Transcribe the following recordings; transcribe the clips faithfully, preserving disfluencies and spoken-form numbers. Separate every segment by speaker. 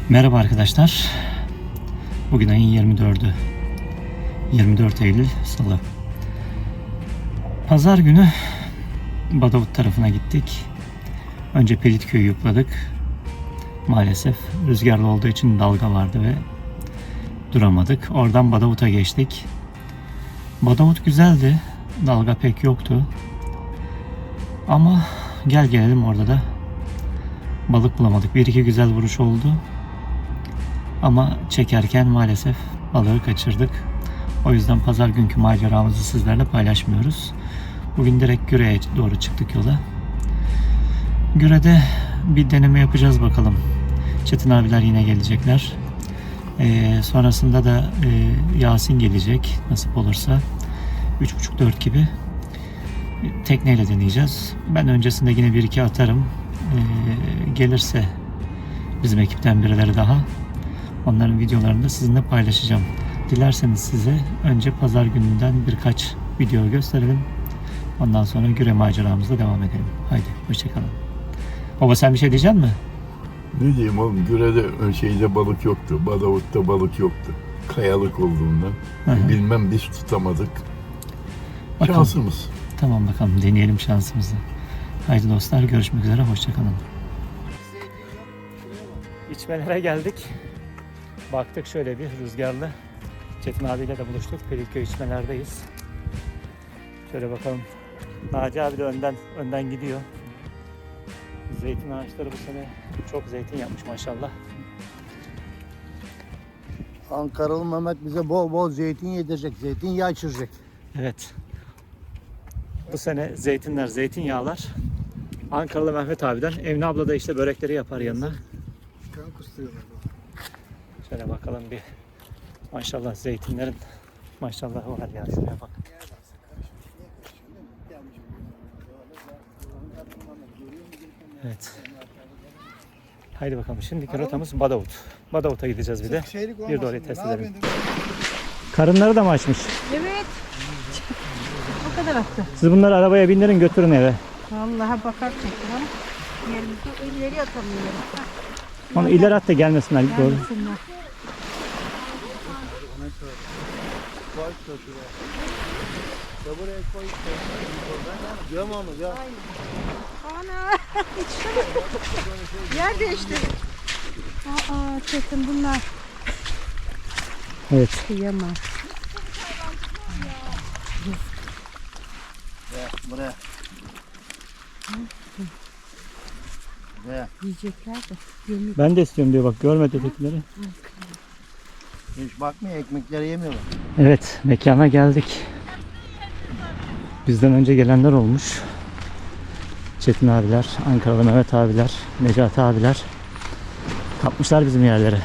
Speaker 1: Merhaba arkadaşlar. Bugün ayın yirmi dördü. yirmi dört Eylül Salı. Pazar günü Badavut tarafına gittik. Önce Pelitköy'ü yukladık. Maalesef rüzgarlı olduğu için dalga vardı ve duramadık. Oradan Badavut'a geçtik. Badavut güzeldi. Dalga pek yoktu. Ama gel gelelim orada da balık bulamadık. Bir iki güzel vuruş oldu. Ama çekerken maalesef balığı kaçırdık. O yüzden pazar günkü maceramızı sizlerle paylaşmıyoruz. Bugün direkt Güre'ye doğru çıktık yola. Güre'de bir deneme yapacağız bakalım. Çetin abiler yine gelecekler. Ee, sonrasında da e, Yasin gelecek nasip olursa. üç buçuk dört gibi tekneyle deneyeceğiz. Ben öncesinde yine bir iki atarım. Ee, gelirse bizim ekipten birileri daha. Onların videolarını da sizinle paylaşacağım. Dilerseniz size önce pazar gününden birkaç video gösterelim. Ondan sonra Güre maceramızla devam edelim. Haydi hoşçakalın. Baba sen bir şey diyecek misin?
Speaker 2: Ne diyeyim oğlum, Güre'de şeyde balık yoktu. Badavut'ta balık yoktu. Kayalık olduğundan.
Speaker 1: Hı hı.
Speaker 2: Bilmem biz tutamadık.
Speaker 1: Bakalım.
Speaker 2: Şansımız.
Speaker 1: Tamam bakalım deneyelim şansımızı. Haydi dostlar görüşmek üzere hoşçakalın. İçmelere geldik. Baktık şöyle bir rüzgarlı. Çetin abiyle de buluştuk. Pelitköy içmelerdeyiz. Şöyle bakalım. Naci abi de önden önden gidiyor. Zeytin ağaçları bu sene çok zeytin yapmış maşallah.
Speaker 3: Ankaralı Mehmet bize bol bol zeytin yedirecek, zeytinyağı içirecek.
Speaker 1: Evet. Bu sene zeytinler, zeytinyağlar Ankaralı Mehmet abiden. Emine abla da işte börekleri yapar yanına.
Speaker 3: Kan kusturuyorlar.
Speaker 1: Şöyle bakalım bir. Maşallah zeytinlerin maşallahı var ya. Şuraya bak. Evet. Haydi bakalım. Şimdiki rotamız Badavut. Badavut'a gideceğiz bir de. Bir de orayı test edelim. Karınları da mı açmış?
Speaker 4: Evet. O kadar attı.
Speaker 1: Siz bunları arabaya bindirin götürün eve.
Speaker 4: Vallahi bakar çektim ama yerimizde ileri atamıyorum.
Speaker 1: Onu ileri at da gelmesinler. Doğru.
Speaker 4: Gelmesinler. Ana! Yer değişti. Aa çetin bunlar.
Speaker 1: Evet.
Speaker 4: Kıyamam.
Speaker 3: Buraya. Buraya.
Speaker 4: Yiyecekler de. Yemek.
Speaker 1: Ben de istiyorum diyor bak görme dedikleri.
Speaker 3: Hiç bakmıyor, ekmekleri yemiyorlar.
Speaker 1: Evet mekana geldik. Bizden önce gelenler olmuş. Çetin abiler, Ankaralı Mehmet abiler, Necati abiler kapmışlar bizim yerlere.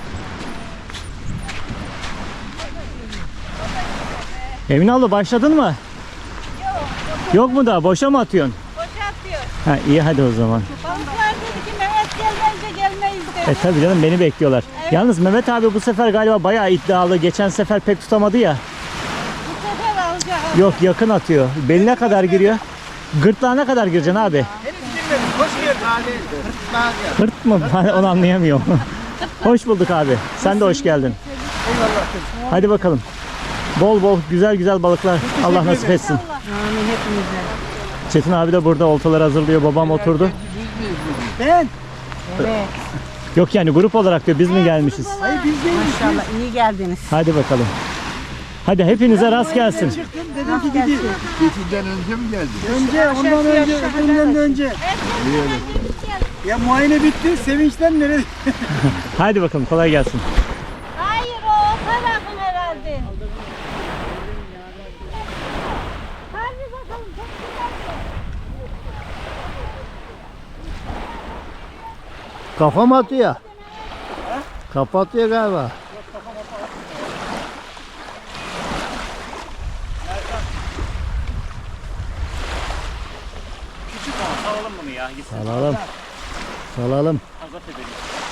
Speaker 1: Emine abla başladın mı? Yok. Yok mu daha? Boşa mı atıyorsun?
Speaker 4: Boşa atıyor.
Speaker 1: Ha iyi hadi o zaman.
Speaker 4: Balıklar dedi ki Mehmet gelmeyince gelmeyiz dedi.
Speaker 1: E tabii canım beni bekliyorlar.
Speaker 4: Evet.
Speaker 1: Yalnız Mehmet abi bu sefer galiba bayağı iddialı. Geçen sefer pek tutamadı ya.
Speaker 4: Bu sefer alacak.
Speaker 1: Yok yakın atıyor. Beline kadar giriyor. Gırtlağına kadar gireceksin abi.
Speaker 3: Hoş geldin.
Speaker 1: Hırt mı? Ben onu anlayamıyorum. Hoş bulduk abi. Sen de hoş geldin.
Speaker 3: Eyvallah.
Speaker 1: Hadi bakalım. Bol bol güzel güzel balıklar. Allah nasip etsin.
Speaker 4: Amin hepimize.
Speaker 1: Çetin abi de burada oltaları hazırlıyor. Babam oturdu.
Speaker 3: Ben.
Speaker 4: Evet.
Speaker 1: Yok yani grup olarak diyor biz mi gelmişiz?
Speaker 3: Hayır biz değiliz.
Speaker 4: Maşallah iyi geldiniz.
Speaker 1: Hadi bakalım. Hadi hepinize rast gelsin.
Speaker 3: Çıktım dedim ki gideyim.
Speaker 2: Geçinden önce mi geldin?
Speaker 3: Önce ondan önce, öbüründen de önce. Ya muayene bitti, sevinçten nereye?
Speaker 1: Hadi bakalım kolay gelsin.
Speaker 4: Hayır o tarafın herhalde. Hadi bakalım çok güzel.
Speaker 3: Kafam atıyor. Kapatıyor galiba.
Speaker 1: Salalım bunu ya.
Speaker 3: Salalım. Salalım.
Speaker 1: Azat edelim.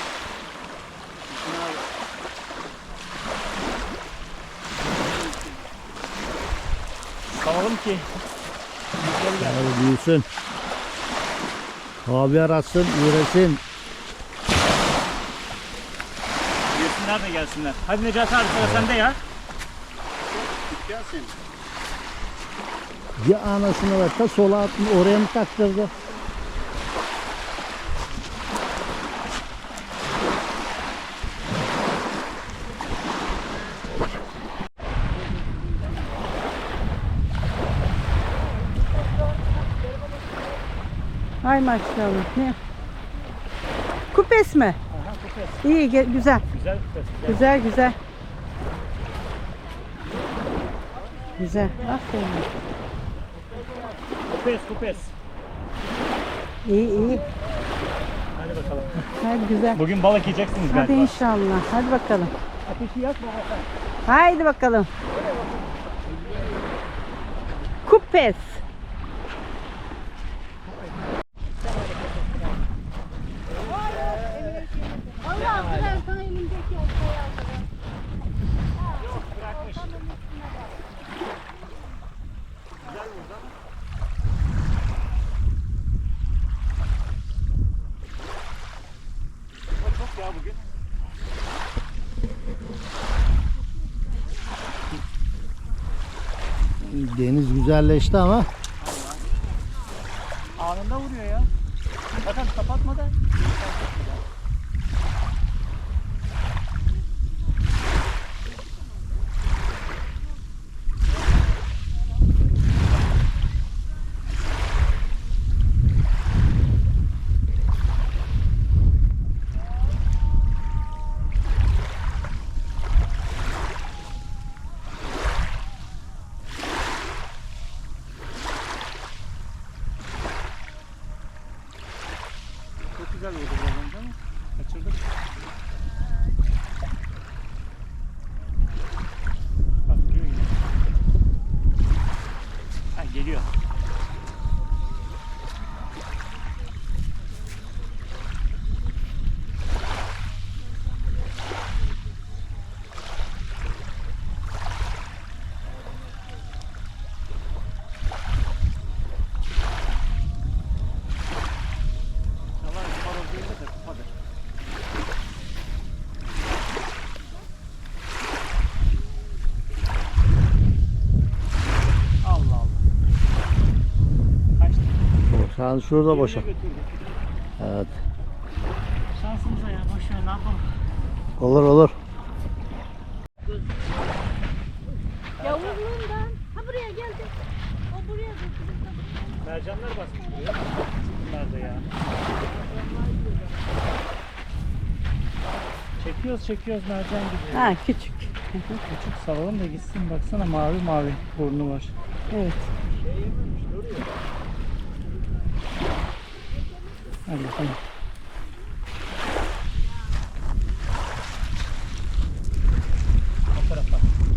Speaker 1: Salalım ki.
Speaker 3: Hadi büyüsün. Haber atsın, üresin.
Speaker 1: onlar da gelsinler. Hadi Necati abi sıra sende ya.
Speaker 3: Gelsin.
Speaker 5: Ya anasını var ta sola atmış oraya mı taktırdı?
Speaker 4: Ay maşallah. Ne? Kupes mi?
Speaker 1: Aha kupes.
Speaker 4: İyi, ge- güzel.
Speaker 1: Güzel kupes. Güzel.
Speaker 4: Güzel, güzel. Güzel. Aferin.
Speaker 1: Kupes kupes.
Speaker 4: İyi, iyi.
Speaker 1: Hadi bakalım.
Speaker 4: Hadi güzel.
Speaker 1: Bugün balık yiyeceksiniz
Speaker 4: Hadi
Speaker 1: galiba.
Speaker 4: inşallah. Hadi bakalım.
Speaker 1: Ateşi yakma bakalım.
Speaker 4: Haydi bakalım. Kupes.
Speaker 1: Çok ya bugün.
Speaker 5: Deniz güzelleşti ama
Speaker 1: Anında vuruyor ya. Bakın kapatmadan. Çok güzel oldu biraz önce ama kaçırdık. Bak geliyor yine. Ha geliyor. Allah horoz değil de kupadır. Allah Allah. Kaçtı.
Speaker 5: şu an şurada boşa.
Speaker 1: Yerine götürdü.
Speaker 5: Evet.
Speaker 1: Şansımıza ya boş ver ne yapalım.
Speaker 5: Olur olur.
Speaker 6: Yavuzluğundan. Ha buraya geldi. O buraya geldi.
Speaker 1: Mercanlar basmış buraya. Bunlar da ya. Çekiyoruz çekiyoruz mercan gidiyor.
Speaker 4: Ha küçük.
Speaker 1: Küçük salalım da gitsin baksana mavi mavi burnu var.
Speaker 4: Evet.
Speaker 1: Hadi bakalım. O tarafa.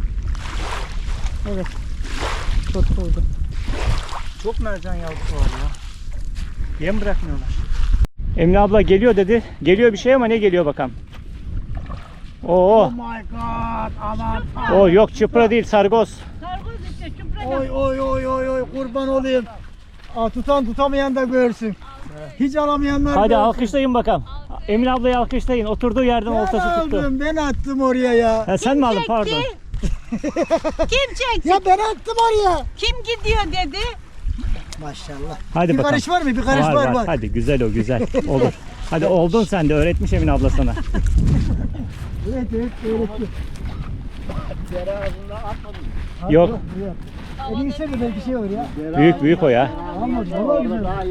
Speaker 4: Evet. Tutuldu.
Speaker 1: Çok mercan yavrusu var ya. Yem bırakmıyorlar. Emine abla geliyor dedi. Geliyor bir şey ama ne geliyor bakalım. Oo.
Speaker 3: Oh my god. Aman.
Speaker 1: O yok çıpra değil sargoz.
Speaker 6: Sargoz işte çupra.
Speaker 3: Oy oy oy oy oy kurban olayım. Aa, tutan tutamayan da görsün. Hiç alamayanlar
Speaker 1: Hadi
Speaker 3: görsün.
Speaker 1: alkışlayın bakalım. Emine ablayı alkışlayın. Oturduğu yerden
Speaker 3: Ben
Speaker 1: oltası tuttu.
Speaker 3: aldım, ben attım oraya ya.
Speaker 1: Ha, sen mi aldın pardon.
Speaker 6: Kim çekti?
Speaker 3: Ya ben attım oraya.
Speaker 6: Kim gidiyor dedi.
Speaker 3: Maşallah.
Speaker 1: Hadi
Speaker 3: bir
Speaker 1: bakalım.
Speaker 3: karış var mı? Bir karış
Speaker 1: var,
Speaker 3: var
Speaker 1: var.
Speaker 3: var.
Speaker 1: Hadi güzel o güzel. Olur. Hadi oldun sen de öğretmiş Emine abla sana.
Speaker 3: Evet evet öğretti.
Speaker 1: Yok.
Speaker 3: E değilse mi belki şey olur ya.
Speaker 1: Büyük büyük o ya.
Speaker 3: Ama valla güzel.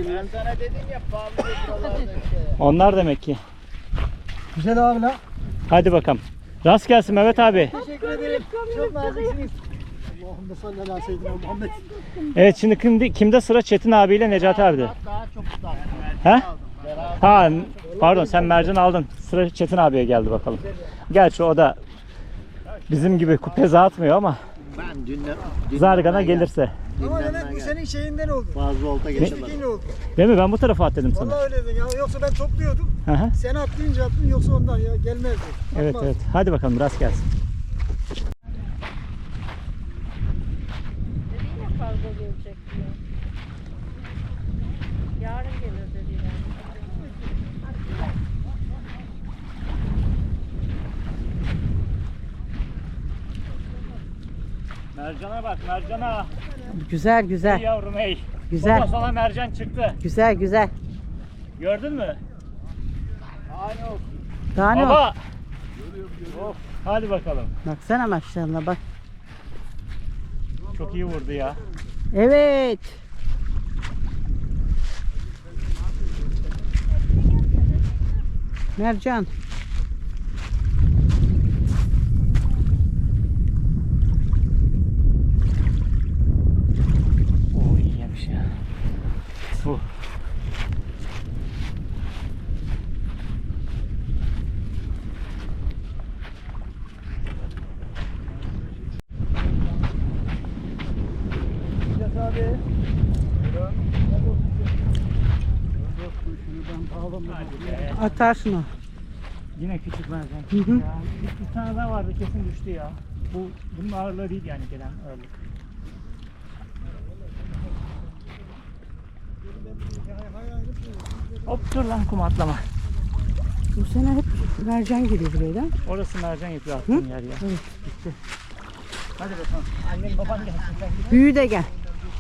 Speaker 1: Onlar demek ki.
Speaker 3: Güzel abi la.
Speaker 1: Hadi bakalım. Rast gelsin Mehmet abi.
Speaker 3: Teşekkür ederim. Çok naziksiniz. Allahümme salli ala seyyidina Muhammed.
Speaker 1: Evet şimdi kimde, kimde sıra Çetin abiyle Necati abi'de?
Speaker 3: Daha çok daha.
Speaker 1: He? Ha pardon sen mercan aldın. Sıra Çetin abiye geldi bakalım. Gerçi o da bizim gibi kupeze atmıyor ama
Speaker 5: Ben dünden,
Speaker 1: zargana gelirse.
Speaker 3: Ama demek bu senin şeyinden oldu.
Speaker 5: Fazla olta
Speaker 3: Teşvikiyle oldu.
Speaker 1: Değil mi? Ben bu tarafa at dedim sana.
Speaker 3: Vallahi öyleydin ya. Yoksa ben topluyordum.
Speaker 1: Hı hı.
Speaker 3: Sen atlayınca attın yoksa ondan ya gelmezdi.
Speaker 1: Evet
Speaker 3: Atmaz.
Speaker 1: evet. Hadi bakalım rast gelsin.
Speaker 6: Dedi ya kargo gelecek diye. Yarın gelir dediler.
Speaker 1: Mercana bak, mercana.
Speaker 4: Güzel
Speaker 1: Ey
Speaker 4: güzel.
Speaker 1: yavrum ey.
Speaker 4: Güzel.
Speaker 1: Baba sana mercan çıktı.
Speaker 4: Güzel güzel.
Speaker 1: Gördün mü?
Speaker 4: Daha ne o?
Speaker 1: Baba. Of, hadi bakalım.
Speaker 4: Baksana maşallah bak.
Speaker 1: Çok iyi vurdu ya.
Speaker 4: Evet. Mercan.
Speaker 1: Oo iyi yemiş ya. Bu. Hadi be.
Speaker 4: Atarsın o.
Speaker 1: Yine küçük mercan.
Speaker 4: Hı hı.
Speaker 1: Ya, bir, bir tane daha vardı kesin düştü ya. Bu bunun ağırlığı değil yani gelen ağırlık. Hop dur lan kum atlama.
Speaker 4: Bu sene hep mercan geliyor buraya da.
Speaker 1: Orası mercan yapıyor attığın yer ya.
Speaker 4: Evet.
Speaker 1: Gitti. Hadi bakalım. Annen baban gelsin sen git.
Speaker 4: Büyü de gel.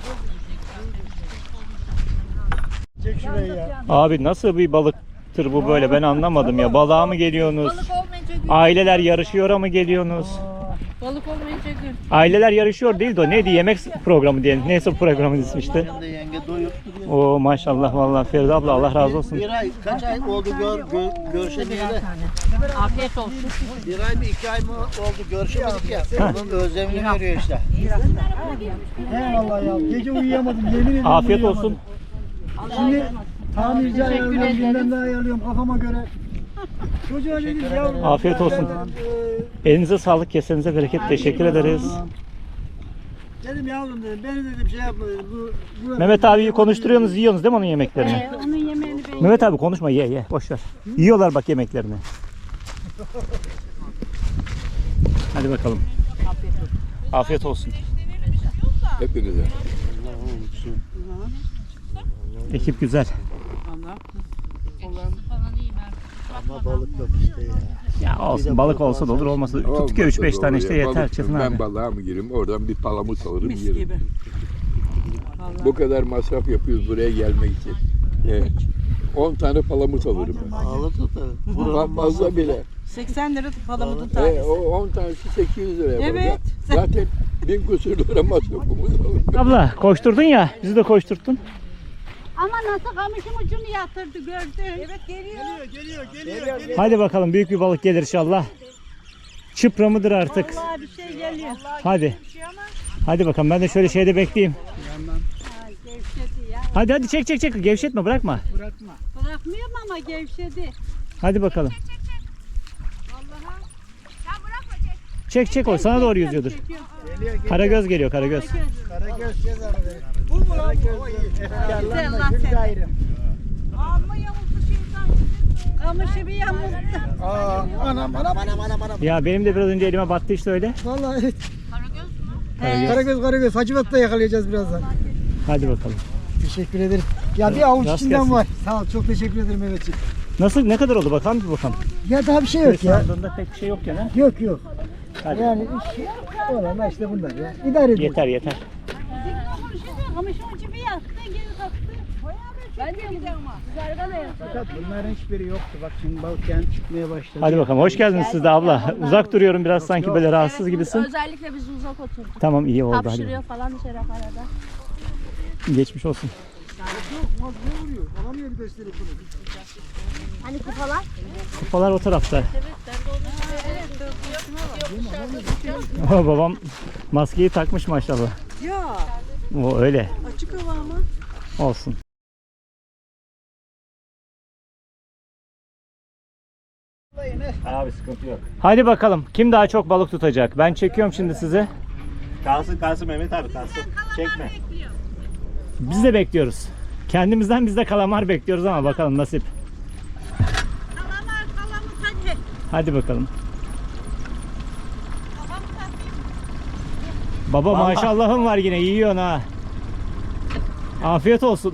Speaker 3: Çek şurayı ya.
Speaker 1: Abi nasıl bir balıktır bu böyle ben anlamadım ya. Balığa mı geliyorsunuz?
Speaker 6: Balık olmayınca gün.
Speaker 1: Aileler yarışıyor mu geliyorsunuz?
Speaker 6: Balık olmayınca gün.
Speaker 1: Aileler yarışıyor değil de o neydi yemek programı diyelim. Neyse bu programın ismi işte.
Speaker 5: Hem de yenge doyup duruyor.
Speaker 1: Oo maşallah vallahi Feride abla Allah razı olsun.
Speaker 5: Bir ay, kaç ay oldu gör, gör, görüşemeyeli?
Speaker 6: Afiyet olsun.
Speaker 5: Bir ay mı iki ay mı oldu görüşemedik ya. Onun özlemini veriyor işte.
Speaker 3: Eyvallah ya. Gece uyuyamadım yemin ederim.
Speaker 1: Afiyet
Speaker 3: uyuyamadım.
Speaker 1: olsun.
Speaker 3: Şimdi tamirci ayarlıyorum, bilmem ne ayarlıyorum kafama göre. Çocuğa dedim yavrum.
Speaker 1: Afiyet olsun.
Speaker 3: Ben,
Speaker 1: Elinize sağlık, kesenize bereket. Teşekkür ederiz.
Speaker 3: e, dedim yavrum dedim, beni dedim şey yapma dedim. Bu, bu
Speaker 1: Mehmet abiyi konuşturuyorsunuz, yiyorsunuz değil mi onun yemeklerini?
Speaker 6: Ee, onun yemeğini ben
Speaker 1: Mehmet abi konuşma, ye ye, boş ver. Yiyorlar bak yemeklerini. Hadi bakalım. Afiyet olsun.
Speaker 2: Hepinize.
Speaker 1: Ekip güzel.
Speaker 5: Ama balık yok işte ya.
Speaker 1: Ya olsun, balık olsa da olur, olmasa da tuttuk ya üç beş tane işte yeter
Speaker 2: Balık-
Speaker 1: Çetin
Speaker 2: Ben
Speaker 1: abi.
Speaker 2: balığa mı gireyim? Oradan bir palamut alırım yerim. Bu kadar masraf yapıyoruz buraya gelmek için. Evet. on tane palamut alırım ben.
Speaker 5: Ağlı tutar.
Speaker 2: Buradan fazla bile.
Speaker 4: seksen lira palamutun
Speaker 2: E,
Speaker 4: tanesi.
Speaker 2: o on tanesi sekiz yüz liraya
Speaker 4: Evet.
Speaker 2: evet. Zaten bin küsur lira masrafımız olur.
Speaker 1: Abla koşturdun ya, bizi de koşturttun.
Speaker 6: Ama nasıl kamışın ucunu yatırdı gördün. Evet geliyor.
Speaker 3: geliyor, geliyor, geliyor.
Speaker 1: Hadi bakalım büyük bir balık gelir inşallah. Çıpra mıdır artık?
Speaker 6: Vallahi bir şey geliyor.
Speaker 1: Hadi. Hadi bakalım ben de şöyle şeyde bekleyeyim.
Speaker 6: Ha, gevşedi ya.
Speaker 1: Hadi hadi çek çek çek, gevşetme bırakma.
Speaker 6: Bırakmıyorum ama gevşedi.
Speaker 1: Hadi bakalım. Çek çek o sana doğru yüzüyordur. Karagöz geliyor karagöz.
Speaker 3: Karagöz gez arada. Bu mu lan bu? O iyi.
Speaker 6: Güzel Allah seni. Amma yamultu şeytan. Kamışı bir yamulttu.
Speaker 3: Aa, anam anam anam anam anam.
Speaker 1: Ya benim de biraz önce elime battı işte öyle.
Speaker 3: Vallahi evet.
Speaker 1: Karagöz.
Speaker 3: Karagöz Karagöz. Hacivat'ta yakalayacağız birazdan.
Speaker 1: Hadi bakalım.
Speaker 3: Teşekkür ederim. Ya bir avuç
Speaker 1: Rast
Speaker 3: içinden
Speaker 1: gelsin.
Speaker 3: var. Sağ ol. Çok teşekkür ederim Mehmetciğim.
Speaker 1: Nasıl ne kadar oldu bakalım bir bakalım.
Speaker 3: Ya daha bir şey yok ya.
Speaker 1: Sandığında pek bir şey yok gene.
Speaker 3: Yok yok.
Speaker 1: Hadi.
Speaker 3: Yani iş olan işte bunlar ya. İdare ediyoruz.
Speaker 1: Yeter yeter.
Speaker 6: Kamışın ucu bir yattı geri kalktı. Ben de gidiyorum ama. Zargana yattı.
Speaker 3: Bunların hiçbiri yoktu. Bak şimdi balık kendi çıkmaya başladı.
Speaker 1: Hadi bakalım hoş geldiniz siz de abla. Uzak duruyorum biraz sanki böyle rahatsız gibisin.
Speaker 6: Özellikle biz uzak oturduk.
Speaker 1: Tamam iyi oldu hadi.
Speaker 6: Hapşırıyor falan dışarı arada.
Speaker 1: Geçmiş olsun.
Speaker 3: Alamıyor bir de üstelik bunu.
Speaker 6: Hani kupalar?
Speaker 1: Kupalar o tarafta. Oh, babam maskeyi takmış maşallah.
Speaker 4: Ya
Speaker 1: O öyle.
Speaker 4: açık hava ama.
Speaker 1: Olsun.
Speaker 7: Abi sıkıntı yok.
Speaker 1: Hadi bakalım kim daha çok balık tutacak? Ben çekiyorum şimdi sizi.
Speaker 7: Kalsın kalsın Mehmet abi kalsın. Çekme.
Speaker 1: Biz de bekliyoruz. Kendimizden biz de kalamar bekliyoruz ama bakalım nasip.
Speaker 6: Kalamar kalamar hadi.
Speaker 1: Hadi bakalım. Baba maşallahın var yine yiyorsun ha. Afiyet olsun.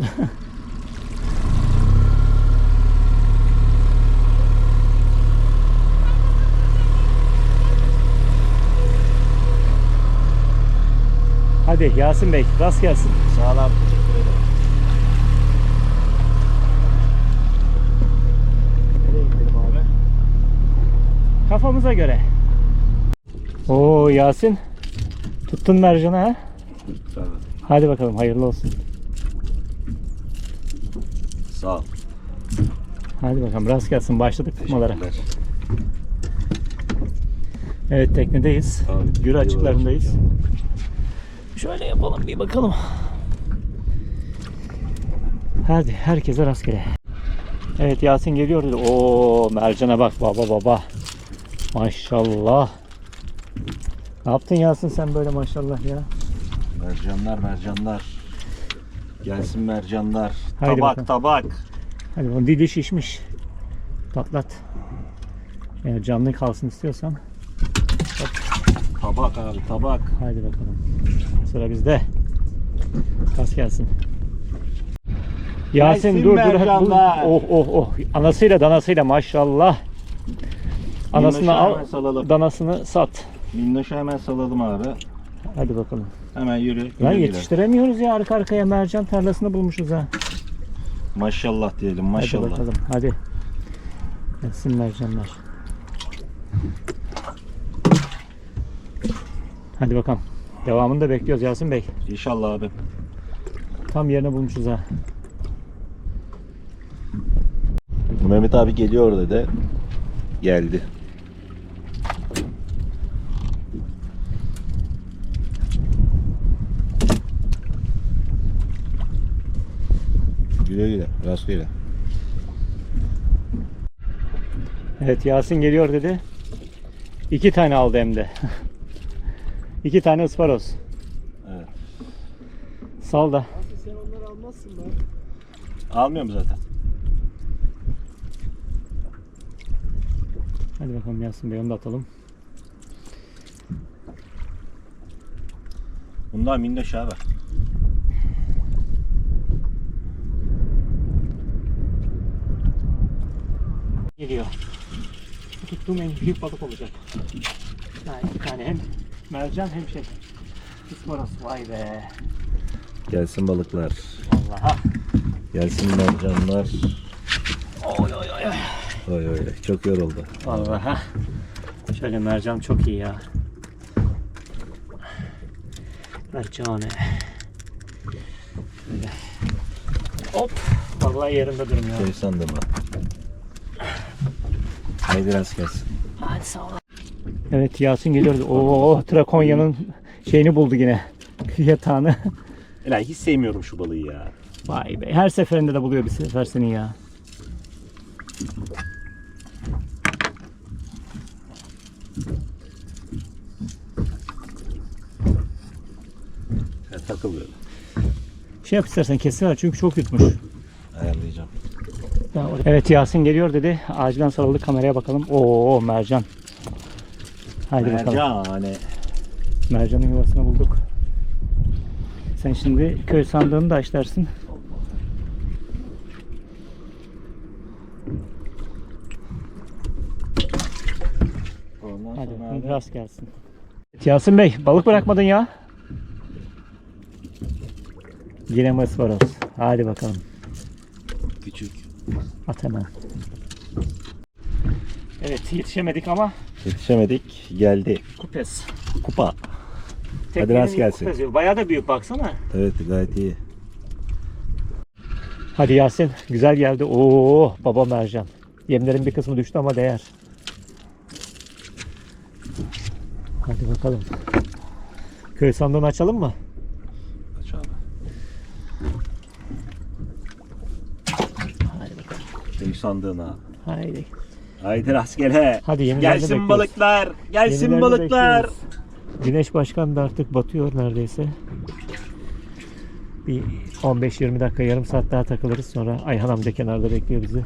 Speaker 1: Hadi Yasin Bey rast gelsin.
Speaker 7: Sağ ol abi. Teşekkür ederim. Nereye gidelim abi?
Speaker 1: Kafamıza göre. Oo Yasin. Tuttun mercanı ha?
Speaker 7: Sağ ol.
Speaker 1: Hadi bakalım hayırlı olsun.
Speaker 7: Sağ ol.
Speaker 1: Hadi bakalım rast gelsin, başladık tutmalara.
Speaker 7: Teşekkürler.
Speaker 1: Evet teknedeyiz.
Speaker 7: Abi,
Speaker 1: Gürü açıklarındayız.
Speaker 7: iyi
Speaker 1: Şöyle yapalım bir bakalım. Hadi herkese rastgele. Evet Yasin geliyor dedi. Oo mercana bak baba baba. Maşallah. Ne yaptın Yasin sen böyle maşallah ya?
Speaker 7: Mercanlar mercanlar. Gelsin mercanlar.
Speaker 1: Haydi
Speaker 7: tabak
Speaker 1: bakalım.
Speaker 7: tabak.
Speaker 1: Hadi onun dili şişmiş. Patlat. Eğer canlı kalsın istiyorsan.
Speaker 7: Tabak abi tabak.
Speaker 1: Haydi bakalım. Sıra bizde. Kas gelsin. Yasin
Speaker 7: Gelsin
Speaker 1: dur dur.
Speaker 7: mercanlar.
Speaker 1: Oh oh oh. Anasıyla danasıyla maşallah. Anasını
Speaker 7: Minnoşu hemen
Speaker 1: al,
Speaker 7: salalım.
Speaker 1: danasını sat.
Speaker 7: Minnoşu hemen salalım abi.
Speaker 1: Hadi bakalım.
Speaker 7: Hemen yürü.
Speaker 1: Lan
Speaker 7: güle güle.
Speaker 1: yetiştiremiyoruz ya, arka arkaya mercan tarlasını bulmuşuz ha.
Speaker 7: Maşallah diyelim
Speaker 1: Hadi
Speaker 7: maşallah.
Speaker 1: bakalım hadi. Gelsin mercanlar. Hadi bakalım. Devamını da bekliyoruz Yasin Bey.
Speaker 7: İnşallah abi.
Speaker 1: Tam yerine bulmuşuz ha.
Speaker 7: Mehmet abi geliyor dedi. Geldi. Güle güle. Rastgele.
Speaker 1: Evet Yasin geliyor dedi. İki tane aldı hem de. İki tane ısparoz.
Speaker 7: Evet.
Speaker 1: Sal da.
Speaker 3: Sen onları almazsın lan.
Speaker 7: Almıyorum zaten.
Speaker 1: Hadi bakalım Yasin Bey, onu da atalım.
Speaker 7: Bunlar minnoş abi.
Speaker 1: Geliyor. Bu tuttuğum en büyük balık olacak. Ha, iki tane, hem mercan hem şey. Isparoz. Vay be.
Speaker 7: Gelsin balıklar.
Speaker 1: Vallahi.
Speaker 7: Gelsin mercanlar.
Speaker 1: Oy oy oy.
Speaker 7: Oy oy. Çok yoruldu.
Speaker 1: Vallahi. Şöyle mercan çok iyi ya. Mercane. Şöyle. Hop. Vallahi yerinde durmuyor.
Speaker 7: Şey sandım ha. Haydi rast gelsin.
Speaker 1: Hadi sağ ol. Evet Yasin geliyordu. Oo Trakonya'nın şeyini buldu yine. Yatağını.
Speaker 7: Ela hiç sevmiyorum şu balığı ya.
Speaker 1: Vay be. Her seferinde de buluyor bir sefer seni ya.
Speaker 7: Ya, takılıyor.
Speaker 1: Şey yap istersen kesiver çünkü çok yutmuş.
Speaker 7: Ayarlayacağım.
Speaker 1: Evet Yasin geliyor dedi. Acilen sarıldık, kameraya bakalım. Oo mercan. Haydi bakalım.
Speaker 7: Mercan hani.
Speaker 1: Mercanın yuvasını bulduk. Sen şimdi köy sandığını da aç dersin.
Speaker 7: Ondan
Speaker 1: Hadi
Speaker 7: sonra
Speaker 1: bakalım,
Speaker 7: abi.
Speaker 1: rast gelsin. Evet, Yasin Bey balık bırakmadın ya. Yine mi ısparoz? Hadi bakalım.
Speaker 7: Küçük.
Speaker 1: At hemen. Evet yetişemedik ama
Speaker 7: Yetişemedik. Geldi.
Speaker 1: kupes.
Speaker 7: Kupa.
Speaker 1: Teknenin
Speaker 7: rast
Speaker 1: ilk
Speaker 7: gelsin.
Speaker 1: kupesi. Bayağı da büyük baksana.
Speaker 7: Evet gayet iyi.
Speaker 1: Hadi Yasin güzel geldi. Oo baba mercan. Yemlerin bir kısmı düştü ama değer. Hadi bakalım. Köy sandığını açalım mı?
Speaker 7: Aç abi.
Speaker 1: Hadi bakalım.
Speaker 7: Köy sandığına.
Speaker 1: Haydi.
Speaker 7: Haydi rastgele.
Speaker 1: Hadi yenilerini
Speaker 7: Gelsin
Speaker 1: bekliyoruz.
Speaker 7: balıklar. Gelsin
Speaker 1: Yenilerini
Speaker 7: balıklar.
Speaker 1: bekliyoruz. Güneş Başkan da artık batıyor neredeyse. Bir on beş yirmi dakika, yarım saat daha takılırız. Sonra Ayhan amca kenarda bekliyor bizi.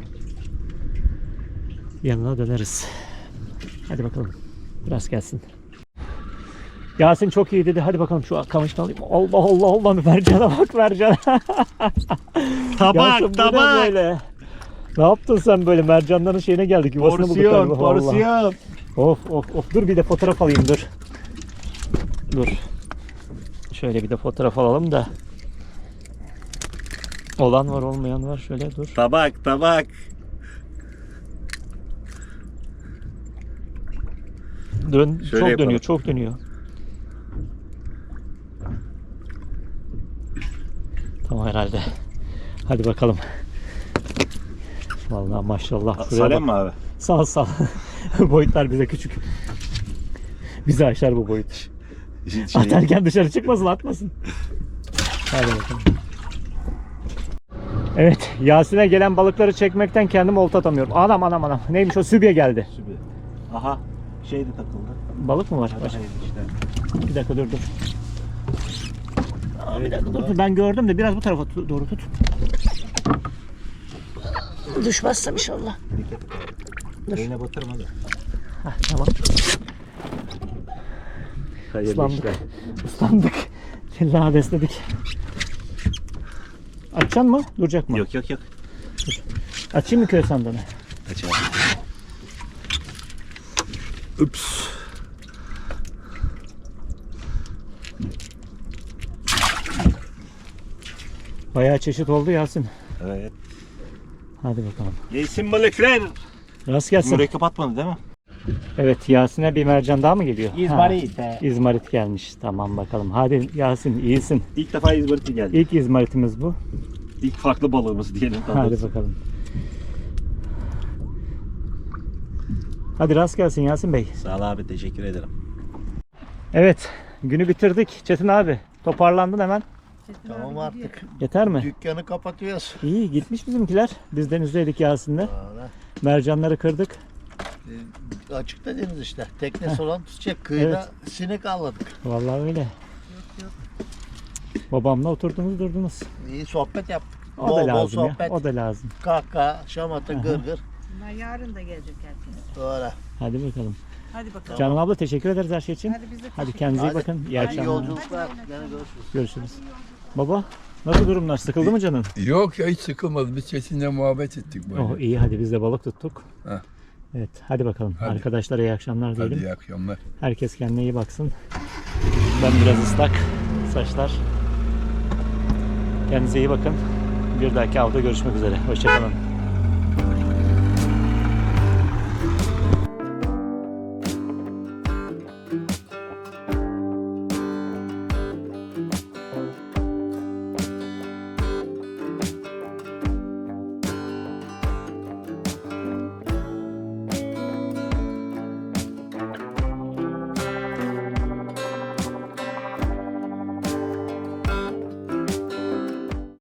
Speaker 1: Yanına döneriz. Hadi bakalım. Biraz gelsin. Yasin çok iyi dedi. Hadi bakalım şu kamışını alayım. Allah Allah Allah. Mercana bak mercana.
Speaker 7: Tabak
Speaker 1: Yasin, bu ne
Speaker 7: tabak.
Speaker 1: böyle? Ne yaptın sen böyle? Mercanların şeyine geldik. Yuvasını bulduk
Speaker 7: Porsiyon
Speaker 1: galiba. Vallahi.
Speaker 7: porsiyon.
Speaker 1: Of of of. Dur bir de fotoğraf alayım dur. Dur. Şöyle bir de fotoğraf alalım da. Olan var olmayan var. Şöyle dur.
Speaker 7: Tabak tabak.
Speaker 1: Dön,
Speaker 7: Şöyle
Speaker 1: çok
Speaker 7: yapalım.
Speaker 1: dönüyor, çok dönüyor. Tamam herhalde. Hadi bakalım. Vallahi maşallah. Şuraya
Speaker 7: Salem
Speaker 1: bak.
Speaker 7: mi abi?
Speaker 1: Sağ sağ. Boyutlar bize küçük. Bizi aşar bu boyut.
Speaker 7: Şey,
Speaker 1: Atarken dışarı çıkmasın, atmasın. Hadi bakalım. Evet, Yasin'e gelen balıkları çekmekten kendimi olta atamıyorum. Anam anam anam. Neymiş o? Sübye geldi.
Speaker 7: Sübye. Aha. Şey de takıldı.
Speaker 1: Balık mı var?
Speaker 7: Hadi
Speaker 1: Başka?
Speaker 7: hayır işte.
Speaker 1: Bir dakika dur dur. Aa, bir dakika dur, dur. Ben gördüm de biraz bu tarafa tu- doğru tut. Düşmezsem inşallah. Dur.
Speaker 7: Eline batırma da.
Speaker 1: Hah, tamam.
Speaker 7: Hayırlı
Speaker 1: Islandık.
Speaker 7: işler.
Speaker 1: Islandık. Ladesledik. Açacaksın mı? Duracak mı?
Speaker 7: Yok yok yok.
Speaker 1: Açayım mı köy sandığını?
Speaker 7: Aç abi. Ups.
Speaker 1: Bayağı çeşit oldu Yasin.
Speaker 7: Evet.
Speaker 1: Hadi bakalım.
Speaker 7: Gelsin balıklar.
Speaker 1: Rast gelsin.
Speaker 7: Mürekkep atmadı değil mi?
Speaker 1: Evet, Yasin'e bir mercan daha mı geliyor?
Speaker 7: İzmarit.
Speaker 1: Ha, İzmarit gelmiş. Tamam bakalım. Hadi Yasin, iyisin.
Speaker 7: İlk defa İzmarit'e geldi.
Speaker 1: İlk İzmarit'imiz bu.
Speaker 7: İlk farklı balığımız diyelim. daha
Speaker 1: Hadi
Speaker 7: doğrusu.
Speaker 1: bakalım. Hadi rast gelsin Yasin Bey.
Speaker 7: Sağ ol abi, teşekkür ederim.
Speaker 1: Evet, günü bitirdik. Çetin abi, toparlandın hemen.
Speaker 5: Tamam artık.
Speaker 1: Yeter mi?
Speaker 5: Dükkanı kapatıyoruz.
Speaker 1: İyi, gitmiş bizimkiler. Biz denizdeydik Yasin'le.
Speaker 5: Valla.
Speaker 1: Mercanları kırdık.
Speaker 5: E, açıkta deniz işte. Teknesi olan tutacak. Kıyıda sinek avladık.
Speaker 1: Vallahi öyle. Babamla oturdunuz durdunuz.
Speaker 5: İyi sohbet yaptık.
Speaker 1: O
Speaker 5: bol
Speaker 1: da
Speaker 5: bol
Speaker 1: lazım ya.
Speaker 5: sohbet.
Speaker 1: O da lazım.
Speaker 5: Kahkaha, şamata, gırgır.
Speaker 4: Bunlar yarın da gelecek herkes.
Speaker 5: Doğru.
Speaker 1: Hadi bakalım.
Speaker 4: Hadi bakalım.
Speaker 1: Canan abla teşekkür ederiz her şey için.
Speaker 4: Hadi biz de
Speaker 1: Hadi kendinize iyi
Speaker 5: Hadi.
Speaker 1: bakın. İyi
Speaker 5: Hadi
Speaker 1: akşamlar.
Speaker 5: yolculuklar. Gene görüşürüz.
Speaker 1: Görüşürüz. Baba nasıl durumlar? Sıkıldı mı canın?
Speaker 2: Yok ya hiç sıkılmadı. Biz Çetin'le muhabbet ettik böyle.
Speaker 1: Oh iyi, hadi biz de balık tuttuk.
Speaker 2: Heh.
Speaker 1: Evet, hadi bakalım.
Speaker 2: Hadi.
Speaker 1: Arkadaşlara iyi akşamlar diyelim.
Speaker 2: Hadi iyi akşamlar.
Speaker 1: Herkes kendine iyi baksın. Ben biraz ıslak. Saçlar. Kendinize iyi bakın. Bir dahaki avda görüşmek üzere. Hoşçakalın.